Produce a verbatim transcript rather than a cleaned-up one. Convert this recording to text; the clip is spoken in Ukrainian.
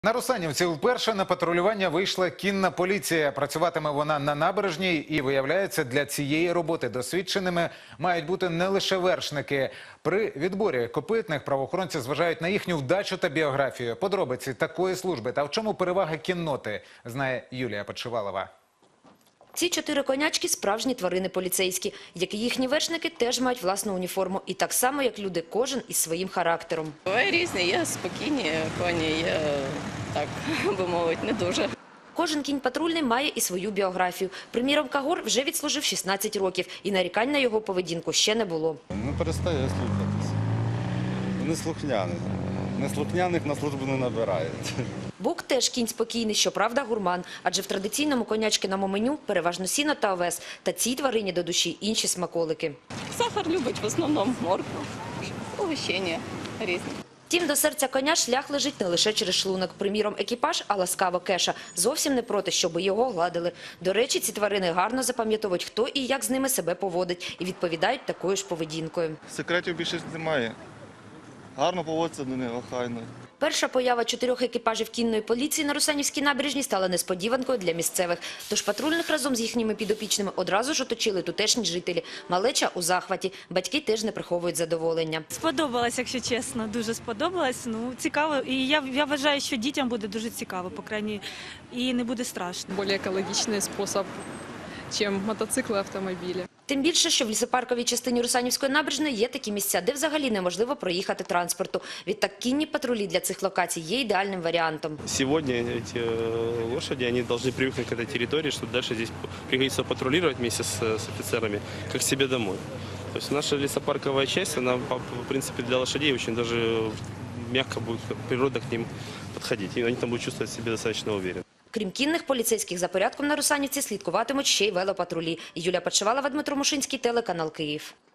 На Русанівці вперше на патрулювання вийшла кінна поліція. Працюватиме вона на набережній і, виявляється, для цієї роботи досвідченими мають бути не лише вершники. При відборі копитних правоохоронці зважають на їхню вдачу та біографію. Подробиці такої служби та в чому перевага кінноти, знає Юлія Подшивалова. Ці чотири конячки – справжні тварини поліцейські, як і їхні вершники теж мають власну уніформу. І так само, як люди, кожен із своїм характером. Буває різні, є спокійні коні, є, так би мовити, не дуже. Кожен кінь патрульний має і свою біографію. Приміром, Кагор вже відслужив шістнадцять років, і нарікань на його поведінку ще не було. Не перестає слухатися. Вони слухняні. Неслухняних на службу не набирають. Бук теж кінь спокійний, щоправда гурман, адже в традиційному конячкиному меню переважно сіно та овес, та цій тварині до душі інші смаколики. Сахар любить в основному моркву, угощення різні. Втім, до серця коня шлях лежить не лише через шлунок. Приміром, екіпаж, а ласкаво Кеша, зовсім не проти, щоб його гладили. До речі, ці тварини гарно запам'ятовують, хто і як з ними себе поводить, і відповідають такою ж поведінкою. Секретів більше немає. Гарно поводиться до нього, охайно. Перша поява чотирьох екіпажів кінної поліції на Русанівській набережній стала несподіванкою для місцевих. Тож патрульних разом з їхніми підопічними одразу ж оточили тутешні жителі. Малеча у захваті. Батьки теж не приховують задоволення. Сподобалось, якщо чесно, дуже сподобалось. Ну, цікаво. І я, я вважаю, що дітям буде дуже цікаво, по крайній, і не буде страшно. Более экологичный способ, чем мотоциклы и автомобили. Тим більше, що в лісопарковій частині Русанівської набережної є такі місця, де взагалі неможливо проїхати транспорту. Відтак кінні патрулі для цих локацій є ідеальним варіантом. Сегодня эти лошади, они должны привыкнуть к этой территории, чтобы дальше здесь пригодится патрулировать вместе с, с офицерами, как к себе домой. То есть наша лесопарковая часть, она, в принципе, для лошадей очень даже мягко будет природа к ним подходить. И они там будут чувствовать себя достаточно уверенно. Крім кінних поліцейських, за порядком на Русанівці слідкуватимуть ще й велопатрулі. Юлія Подшивалова, Дмитро Мушинський, телеканал Київ.